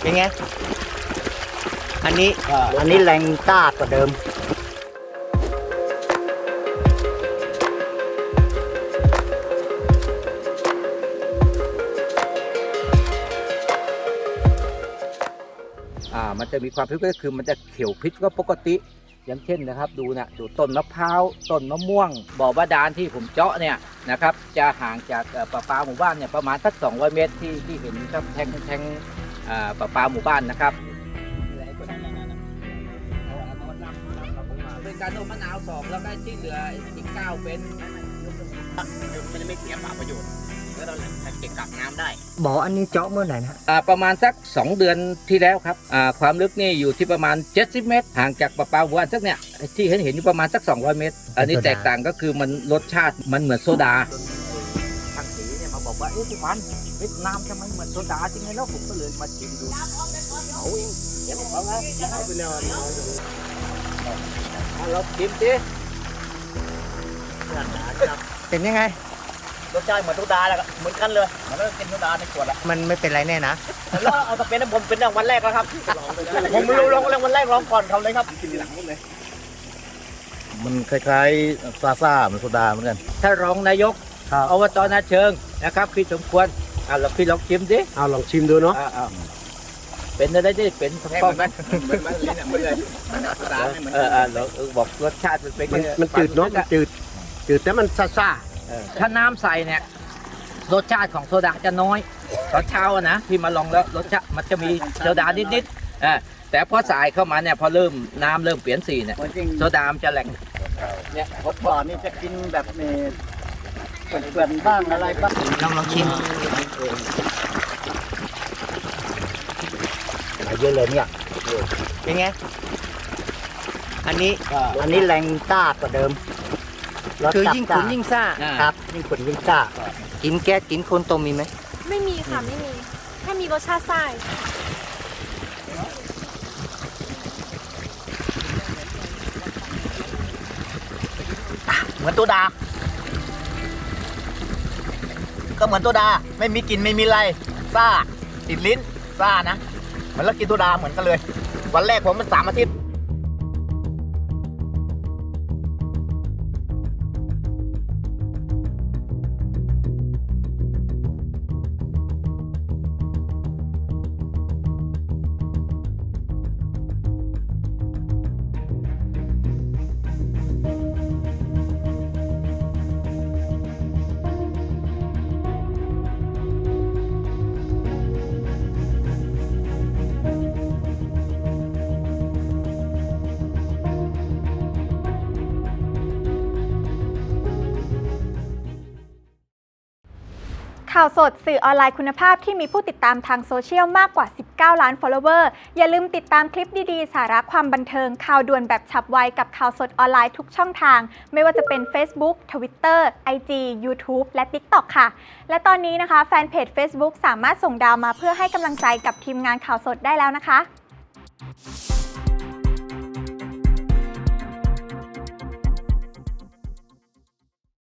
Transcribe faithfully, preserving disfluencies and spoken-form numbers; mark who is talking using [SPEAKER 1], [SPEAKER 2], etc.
[SPEAKER 1] เป็นไงอันนี้
[SPEAKER 2] อันนี้แรงต้ากว่าเดิม
[SPEAKER 3] อ่ามันจะมีความพิเศษคือมันจะเขียวพิษก็ปกติอย่างเช่นนะครับดูนะดูต้นมะพร้าวต้นมะม่วงบ่อบาดาลที่ผมเจาะเนี่ยนะครับจะห่างจากประปาหมู่บ้านเนี่ยประมาณสักสองร้อยเมตรที่ที่เห็นครับแทงแทงประปาหมู่บ้านนะครับเป็นการนมมะนาวสองแล้วก็ที่เหลืออีกเก้าเป็นมันจะไม่เสียเปล่าประโยชน์แล้วเราเก็บกักน้ำได้
[SPEAKER 1] บ่ออันนี้เจาะเมื่อไหร่นะ
[SPEAKER 3] อ่าประมาณสักสองเดือนที่แล้วครับอ่าความลึกนี่อยู่ที่ประมาณเจ็ดสิบเมตรห่างจากประปาหมู่บ้านสักเนี่ยที่เห็นเห็นอยู่ประมาณสักสองร้อยเมตรอันนี้แตกต่างก็คือมันรสชาติมันเหมือนโซดาทางสีเนี่ยมาบอกว่าเอ๊ะพี่วันเวียดนามทำไมเหมือนโซดาจริงไงแล้วผมก็เลยมาชิมดูเอาเองเดี๋ยวผมเอานะเอาไปเลยเราชิมสิ
[SPEAKER 1] เป็นยังไง
[SPEAKER 2] รสชาติเหมือนโซดาแหละเหมือนกันเลยมันก็กินโซดาในขวดละ
[SPEAKER 1] มันไม่เป็นไรแน่นะ
[SPEAKER 2] แล้วเอาตะเป็นผมเป็นวันแรกแล้วครับผมไม่รู้ลองลองวันแรกลองก่อนเขาเลยครับกินหลังหมดเลย
[SPEAKER 4] มันคล้ายๆซาซ่าเหมือนโซดาเหมือนกัน
[SPEAKER 3] ถ้ารองนายกอบตนาเชิงนะครับพี่สมควรอ่าเราพี่ลองชิมดิ
[SPEAKER 4] เอาลองชิมดูเนาะ
[SPEAKER 3] เป็นอะไรได้เป็นต้องไหม
[SPEAKER 4] เหมือนลิ้นเหมือนเลย
[SPEAKER 3] เออเออเราบอกรสชาติมันเป็น
[SPEAKER 4] มันจืดเนาะมันจืดจืดแต่มันซาซ่า
[SPEAKER 3] ถ้าน้ำใส่เนี่ยรสชาติของโซดาจะน้อยตอนเช้านะพี่มาลองแล้วรสชาติมันจะมีโซดานิดๆแต่พอใส่เข้ามาเนี่ยพอเริ่มน้ำเริ่มเปลี่ยนสีเนี่ยโซดามจะแหลง
[SPEAKER 2] เนี่ยผมบอกนี่จะกินแบบนี้เปื่อนๆบ้างอะไรบ้าง
[SPEAKER 1] ลองลองชิม
[SPEAKER 2] มาเยอะเลยเนี่ย
[SPEAKER 1] เป็นไงอันนี้
[SPEAKER 2] อันนี้แรงต้ากว่าเดิม
[SPEAKER 1] คือยิ่งขุนยิ่งซ่า
[SPEAKER 2] ครับยิ่งขุนยิ่งซ่า
[SPEAKER 1] กินแก๊สกินโคนตมมีไหม
[SPEAKER 5] ไม่มีค่ะไม่มีแค่มีรสชาติซ่า
[SPEAKER 2] เหมือนตัวดาก็เหมือนตัวดาไม่มีกลิ่นไม่มีอะไรซ่าติดลิ้นซ่านะเหมือนเรากินตัวดาเหมือนกันเลยวันแรกผมมันสามอาทิตย์
[SPEAKER 5] ข่าวสดสื่อออนไลน์คุณภาพที่มีผู้ติดตามทางโซเชียลมากกว่าสิบเก้าล้าน follower อย่าลืมติดตามคลิปดีๆสาระความบันเทิงข่าวด่วนแบบฉับไวกับข่าวสดออนไลน์ทุกช่องทางไม่ว่าจะเป็น Facebook Twitter ไอ จี YouTube และ TikTok ค่ะและตอนนี้นะคะแฟนเพจ Facebook สามารถส่งดาวมาเพื่อให้กำลังใจกับทีมงานข่าวสดได้แล้วนะคะ